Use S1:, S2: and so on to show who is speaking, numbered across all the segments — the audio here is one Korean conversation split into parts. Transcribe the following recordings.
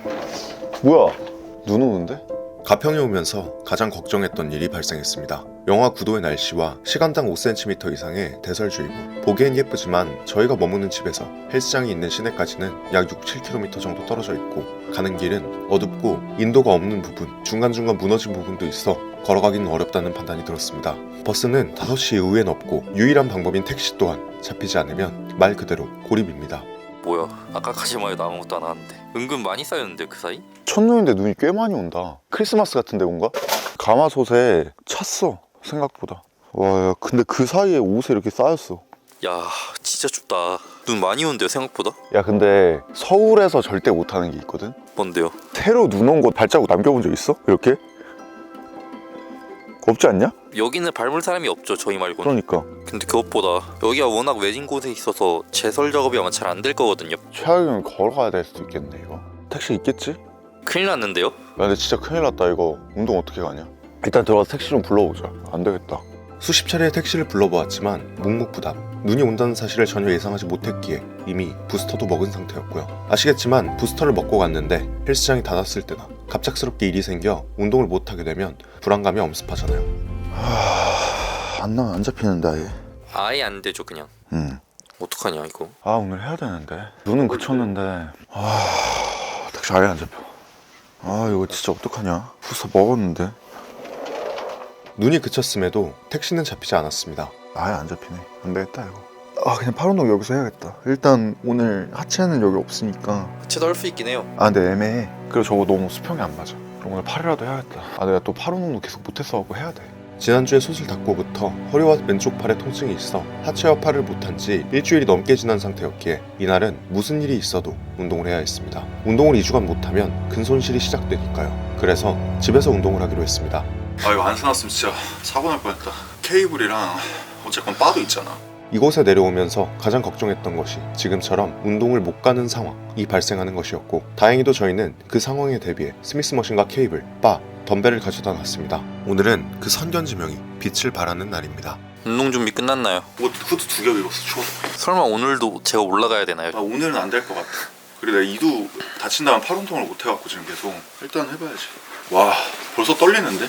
S1: 뭐야? 눈 오는데?
S2: 가평에 오면서 가장 걱정했던 일이 발생했습니다. 영하 9도의 날씨와 시간당 5cm 이상의 대설주의보. 보기엔 예쁘지만 저희가 머무는 집에서 헬스장이 있는 시내까지는 약 6-7km 정도 떨어져 있고 가는 길은 어둡고 인도가 없는 부분, 중간중간 무너진 부분도 있어 걸어가기는 어렵다는 판단이 들었습니다. 버스는 5시 이후엔 없고 유일한 방법인 택시 또한 잡히지 않으면 말 그대로 고립입니다.
S3: 뭐야, 아까까지만 해도 아무것도 안 하는데 은근 많이 쌓였는데 그 사이?
S1: 첫눈인데 눈이 꽤 많이 온다. 크리스마스 같은데 뭔가? 가마솥에 찼어 생각보다. 와, 야, 근데 그 사이에 옷에 이렇게 쌓였어.
S3: 야, 진짜 춥다. 눈 많이 온대요 생각보다?
S1: 야, 근데 서울에서 절대 못하는 게 있거든?
S3: 뭔데요?
S1: 새로 눈 온 곳 발자국 남겨본 적 있어? 이렇게? 없지 않냐?
S3: 여기는 밟을 사람이 없죠, 저희 말고는.
S1: 그러니까
S3: 근데 그것보다 여기가 워낙 외진 곳에 있어서 제설 작업이 아마 잘 안 될 거거든요.
S1: 최악이면 걸어가야 될 수도 있겠네. 이거 택시 있겠지?
S3: 큰일 났는데요?
S1: 야, 근데 진짜 큰일 났다. 이거 운동 어떻게 가냐? 일단 들어가서 택시 좀 불러보자. 안 되겠다.
S2: 수십 차례의 택시를 불러보았지만 묵묵부답. 눈이 온다는 사실을 전혀 예상하지 못했기에 이미 부스터도 먹은 상태였고요. 아시겠지만 부스터를 먹고 갔는데 헬스장이 닫았을 때나 갑작스럽게 일이 생겨 운동을 못하게 되면 불안감이 엄습하잖아요.
S1: 안 잡히는데 아예.
S3: 아예 안 되죠 그냥. 어떡하냐 이거.
S1: 아, 오늘 해야 되는데. 눈은 그쳤는데 택시 아예 안 잡혀. 아, 이거 진짜 어떡하냐. 부스터 먹었는데
S2: 눈이 그쳤음에도 택시는 잡히지 않았습니다.
S1: 아예 안 잡히네. 안 되겠다 이거. 아, 그냥 팔 운동 여기서 해야겠다. 일단 오늘 하체는 여기 없으니까.
S3: 하체도 할 수 있긴 해요.
S1: 아, 근데 애매해. 그리고 저거 너무 수평이 안 맞아. 그럼 오늘 팔이라도 해야겠다. 아, 내가 또 팔 운동도 계속 못했어갖고 해야 돼.
S2: 지난주에 수술 닫고부터 허리와 왼쪽 팔에 통증이 있어 하체와 팔을 못한 지 일주일이 넘게 지난 상태였기에 이날은 무슨 일이 있어도 운동을 해야 했습니다. 운동을 2주간 못하면 근손실이 시작되니까요. 그래서 집에서 운동을 하기로 했습니다.
S1: 아, 이거 안 사놨으면 진짜 사고 날 뻔했다. 케이블이랑 어쨌건 바도 있잖아.
S2: 이곳에 내려오면서 가장 걱정했던 것이 지금처럼 운동을 못 가는 상황이 발생하는 것이었고 다행히도 저희는 그 상황에 대비해 스미스 머신과 케이블, 바, 덤벨을 가져다 놨습니다. 오늘은 그 선견지명이 빛을 발하는 날입니다.
S3: 운동 준비 끝났나요?
S1: 옷 후드 2겹 입었어. 추워서.
S3: 설마 오늘도 제가 올라가야 되나요?
S1: 아, 오늘은 안 될 것 같아. 그리고 내가 이두 다친 다음 팔 운동을 못 해갖고 지금 계속. 일단 해봐야지. 와, 벌써 떨리는데?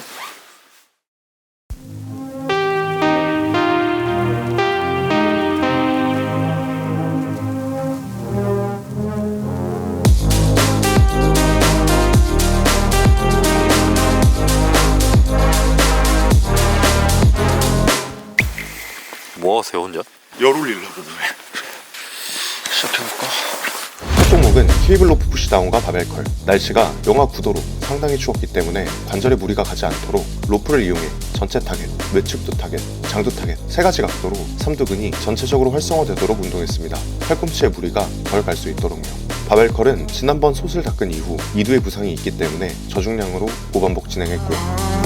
S3: 뭐 하세요 혼자?
S1: 열 올리려고 그래. 시작해볼까?
S2: 첫 종목은 케이블 로프 푸시다운과 바벨컬. 날씨가 영하 9도로 상당히 추웠기 때문에 관절에 무리가 가지 않도록 로프를 이용해 전체 타겟, 외측두 타겟, 장두 타겟 3가지 각도로 삼두근이 전체적으로 활성화되도록 운동했습니다. 팔꿈치에 무리가 덜 갈 수 있도록요. 바벨컬은 지난번 솥을 닦은 이후 2두의 부상이 있기 때문에 저중량으로 5반복 진행했고요.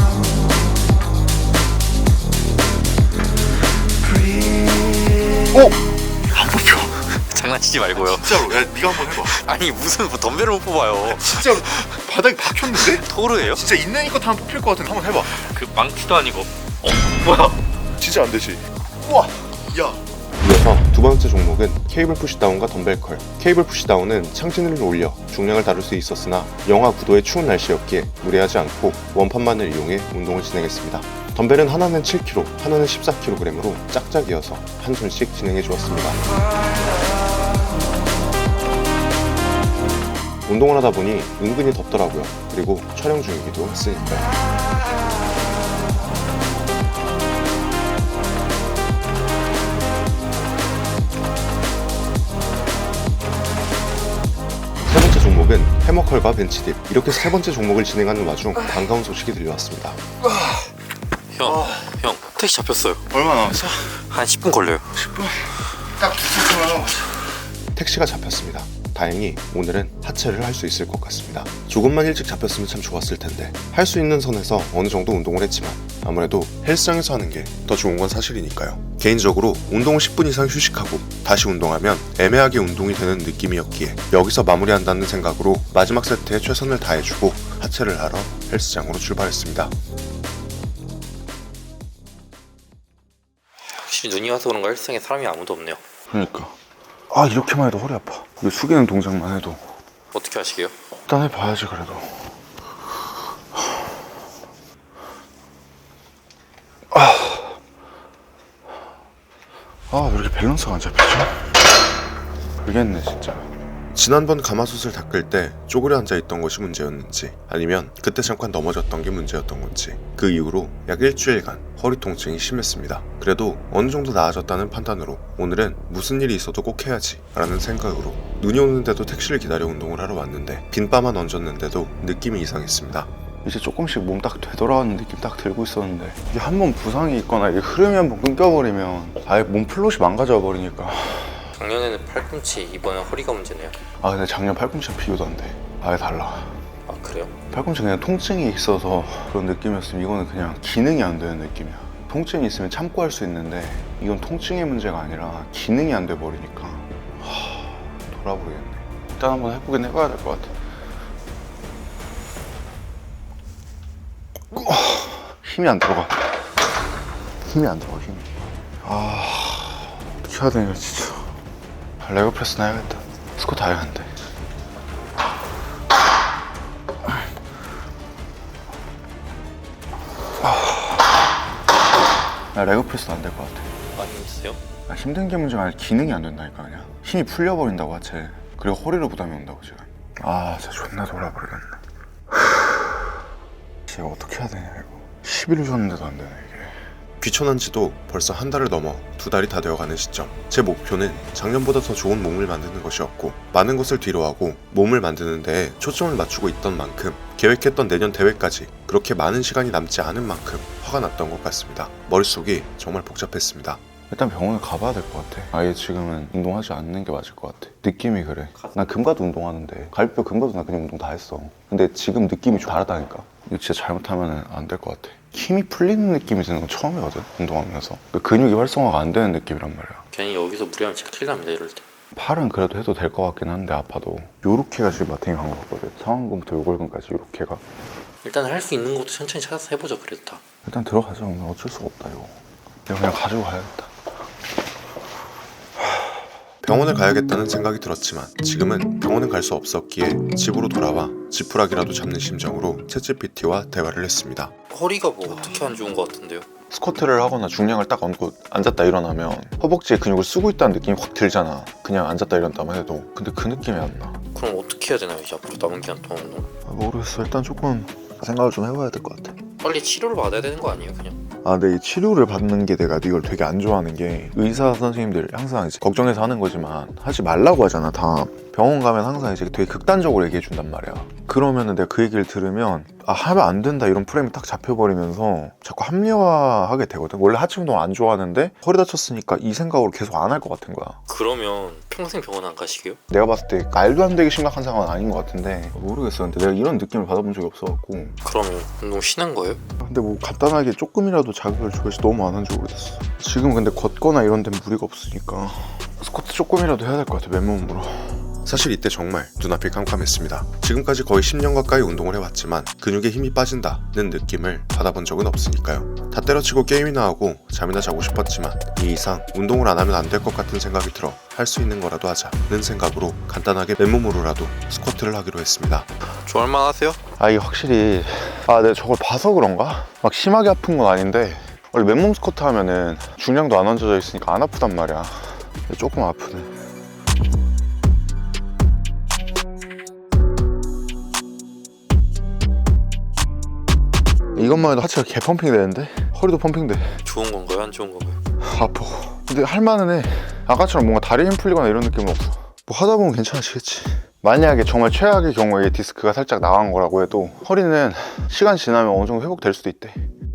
S1: 안 뽑혀.
S3: 장난치지 말고요.
S1: 진짜로. 야, 네가 한번 해봐.
S3: 아니 무슨 뭐 덤벨을 못 뽑아요.
S1: 진짜로 바닥이 박혔는데?
S3: 토르예요?
S1: 진짜 있는 이거 다 뽑힐 것 같은데 한번 해봐.
S3: 그 망치도 아니고.
S1: 뭐야? 진짜 안 되지. 우와. 야.
S2: 이어서 두 번째 종목은 케이블 푸시다운과 덤벨컬. 케이블 푸시다운은 창진을 올려 중량을 다룰 수 있었으나 영하 9도의 추운 날씨였기에 무리하지 않고 원판만을 이용해 운동을 진행했습니다. 덤벨은 하나는 7kg, 하나는 14kg으로 짝짝이어서 한 손씩 진행해 주었습니다. 운동을 하다 보니 은근히 덥더라고요. 그리고 촬영 중이기도 했으니까요. 세 번째 종목은 해머컬과 벤치딥. 이렇게 세 번째 종목을 진행하는 와중 반가운 소식이 들려왔습니다.
S3: 형 택시 잡혔어요.
S1: 얼마 남았어?
S3: 한 10분 걸려요.
S1: 10분. 딱 2시간 남았어.
S2: 택시가 잡혔습니다. 다행히 오늘은 하체를 할 수 있을 것 같습니다. 조금만 일찍 잡혔으면 참 좋았을 텐데 할 수 있는 선에서 어느 정도 운동을 했지만 아무래도 헬스장에서 하는 게 더 좋은 건 사실이니까요. 개인적으로 운동을 10분 이상 휴식하고 다시 운동하면 애매하게 운동이 되는 느낌이었기에 여기서 마무리한다는 생각으로 마지막 세트에 최선을 다해주고 하체를 하러 헬스장으로 출발했습니다.
S3: 확실히 눈이 와서 그런가 헬스장에 사람이 아무도 없네요.
S1: 그러니까. 아, 이렇게만 해도 허리 아파. 이거 숙이는 동작만 해도
S3: 어떻게 하시게요?
S1: 일단 해봐야지 그래도. 왜 이렇게 밸런스가 안 잡히지? 모르겠네 진짜.
S2: 지난번 가마솥을 닦을 때 쪼그려 앉아있던 것이 문제였는지 아니면 그때 잠깐 넘어졌던 게 문제였던 건지 그 이후로 약 일주일간 허리 통증이 심했습니다. 그래도 어느 정도 나아졌다는 판단으로 오늘은 무슨 일이 있어도 꼭 해야지 라는 생각으로 눈이 오는데도 택시를 기다려 운동을 하러 왔는데 빈바만 얹었는데도 느낌이 이상했습니다.
S1: 이제 조금씩 몸 딱 되돌아가는 느낌 딱 들고 있었는데 이게 한번 부상이 있거나 이게 흐름이 한번 끊겨버리면 아예 몸 플롯이 망가져 버리니까.
S3: 작년에는 팔꿈치, 이번엔 허리가 문제네요.
S1: 근데 작년 팔꿈치랑 비교도 안 돼. 아예 달라.
S3: 아 그래요?
S1: 팔꿈치 그냥 통증이 있어서 그런 느낌이었으면 이거는 그냥 기능이 안 되는 느낌이야. 통증이 있으면 참고 할 수 있는데 이건 통증의 문제가 아니라 기능이 안 돼 버리니까 돌아버리겠네. 일단 한번 해보긴 해봐야 될 것 같아. 힘이 안 들어가. 힘이. 어떻게 해야 되냐 진짜. 레그 프레스나 해야겠다. 스쿼트 해야겠는데. 레그 프레스는 안 될 것 같아.
S3: 많이 있어요?
S1: 힘든 게 문제가 아니라 기능이 안 된다니까. 그냥 힘이 풀려버린다고 하체. 그리고 허리로 부담이 온다고 지금. 진짜 존나 돌아버리겠네. 이거 어떻게 해야 되냐 이거. 10일 줬는데도 안 되네 이게.
S2: 귀촌한 지도 벌써 한 달을 넘어 2달이 다 되어가는 시점. 제 목표는 작년보다 더 좋은 몸을 만드는 것이었고 많은 것을 뒤로하고 몸을 만드는 데에 초점을 맞추고 있던 만큼 계획했던 내년 대회까지 그렇게 많은 시간이 남지 않은 만큼 화가 났던 것 같습니다. 머릿속이 정말 복잡했습니다.
S1: 일단 병원에 가봐야 될 것 같아. 아예 지금은 운동하지 않는 게 맞을 것 같아. 느낌이 그래. 난 금가도 운동하는데 갈비뼈 금가도 나 그냥 운동 다 했어. 근데 지금 느낌이 좀 다르다니까. 이거 진짜 잘못하면 안 될 것 같아. 힘이 풀리는 느낌이 드는 건 처음이거든, 운동하면서. 근육이 활성화가 안 되는 느낌이란 말이야.
S3: 괜히 여기서 무리하면 진짜 큰일 납니다 이럴 때.
S1: 팔은 그래도 해도 될 것 같긴 한데 아파도 요렇게가 지금 마탱이 간 것 같거든. 상완근부터 요골근까지 요렇게가.
S3: 일단 할 수 있는 것도 천천히 찾아서 해보죠 그래도 다.
S1: 일단 들어가자. 오늘 어쩔 수가 없다 이거. 그냥 가지고 가야겠다.
S2: 병원을 가야겠다는 생각이 들었지만 지금은 병원은 갈 수 없었기에 집으로 돌아와 지푸라기라도 잡는 심정으로 챗GPT와 대화를 했습니다.
S3: 허리가 뭐 어떻게 안 좋은 것 같은데요?
S1: 스쿼트를 하거나 중량을 딱 얹고 앉았다 일어나면 허벅지에 근육을 쓰고 있다는 느낌이 확 들잖아. 그냥 앉았다 일어났다만 해도. 근데 그 느낌이 안 나.
S3: 그럼 어떻게 해야 되나요 이제 앞으로 남은 기간 동안?
S1: 모르겠어. 일단 조금 생각을 좀 해봐야 될 것 같아.
S3: 빨리 치료를 받아야 되는 거 아니에요 그냥?
S1: 근데 이 치료를 받는 게 내가 이걸 되게 안 좋아하는 게 의사 선생님들 항상 이제 걱정해서 하는 거지만 하지 말라고 하잖아 다. 병원 가면 항상 이제 되게 극단적으로 얘기해 준단 말이야. 그러면은 내가 그 얘기를 들으면 하면 안 된다 이런 프레임이 딱 잡혀버리면서 자꾸 합리화하게 되거든. 원래 하체 운동 안 좋아하는데 허리 다쳤으니까 이 생각으로 계속 안 할 것 같은 거야.
S3: 그러면 평생 병원 안 가시게요?
S1: 내가 봤을 때 말도 안 되게 심각한 상황은 아닌 것 같은데 모르겠어. 근데 내가 이런 느낌을 받아본 적이 없어갖고.
S3: 그러면 운동 쉬는 거예요?
S1: 근데 뭐 간단하게 조금이라도 자극을 줘야지 너무 안 한지 오래됐어. 지금 근데 걷거나 이런 데는 무리가 없으니까 스쿼트 조금이라도 해야 될 것 같아 맨몸으로.
S2: 사실 이때 정말 눈앞이 깜깜했습니다. 지금까지 거의 10년 가까이 운동을 해왔지만 근육에 힘이 빠진다는 느낌을 받아본 적은 없으니까요. 다 때려치고 게임이나 하고 잠이나 자고 싶었지만 이 이상 운동을 안 하면 안 될 것 같은 생각이 들어 할 수 있는 거라도 하자는 생각으로 간단하게 맨몸으로라도 스쿼트를 하기로 했습니다.
S3: 좋아할만 하세요?
S1: 이게 확실히 내가 저걸 봐서 그런가? 막 심하게 아픈 건 아닌데 원래 맨몸 스쿼트 하면은 중량도 안 얹어져 있으니까 안 아프단 말이야. 근데 조금 아프네. 이것만 해도 하체가 개 펌핑 되는데 허리도 펌핑 돼.
S3: 좋은 건가요? 안 좋은 건가요?
S1: 아파. 근데 할만은 해. 아까처럼 뭔가 다리 힘 풀리거나 이런 느낌은 없어. 뭐 하다 보면 괜찮아지겠지. 만약에 정말 최악의 경우에 디스크가 살짝 나간 거라고 해도 허리는 시간 지나면 어느 정도 회복될 수도 있대.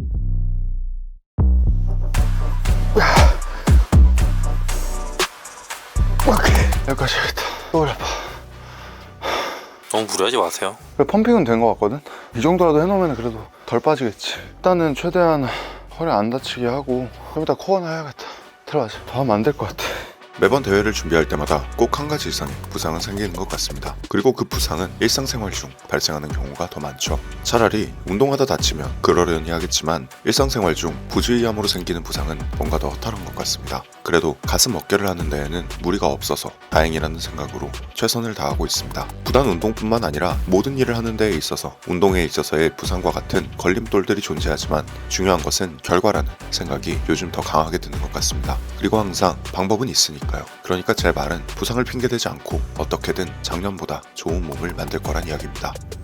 S1: 오케이. 여기까지 해야겠다. 또 허리 아파.
S3: 너무 무리하지 마세요.
S1: 펌핑은 된 거 같거든? 이 정도라도 해놓으면 그래도 덜 빠지겠지. 일단은 최대한 허리 안 다치게 하고 좀 이따 코어나 해야겠다. 들어가자. 더 하면 안 될 것 같아.
S2: 매번 대회를 준비할 때마다 꼭 한 가지 이상의 부상은 생기는 것 같습니다. 그리고 그 부상은 일상생활 중 발생하는 경우가 더 많죠. 차라리 운동하다 다치면 그러려니 하겠지만 일상생활 중 부주의함으로 생기는 부상은 뭔가 더 허탈한 것 같습니다. 그래도 가슴 어깨를 하는 데에는 무리가 없어서 다행이라는 생각으로 최선을 다하고 있습니다. 부단 운동뿐만 아니라 모든 일을 하는 데에 있어서 운동에 있어서의 부상과 같은 걸림돌들이 존재하지만 중요한 것은 결과라는 생각이 요즘 더 강하게 드는 것 같습니다. 그리고 항상 방법은 있으니까요. 그러니까 제 말은 부상을 핑계대지 않고 어떻게든 작년보다 좋은 몸을 만들 거란 이야기입니다.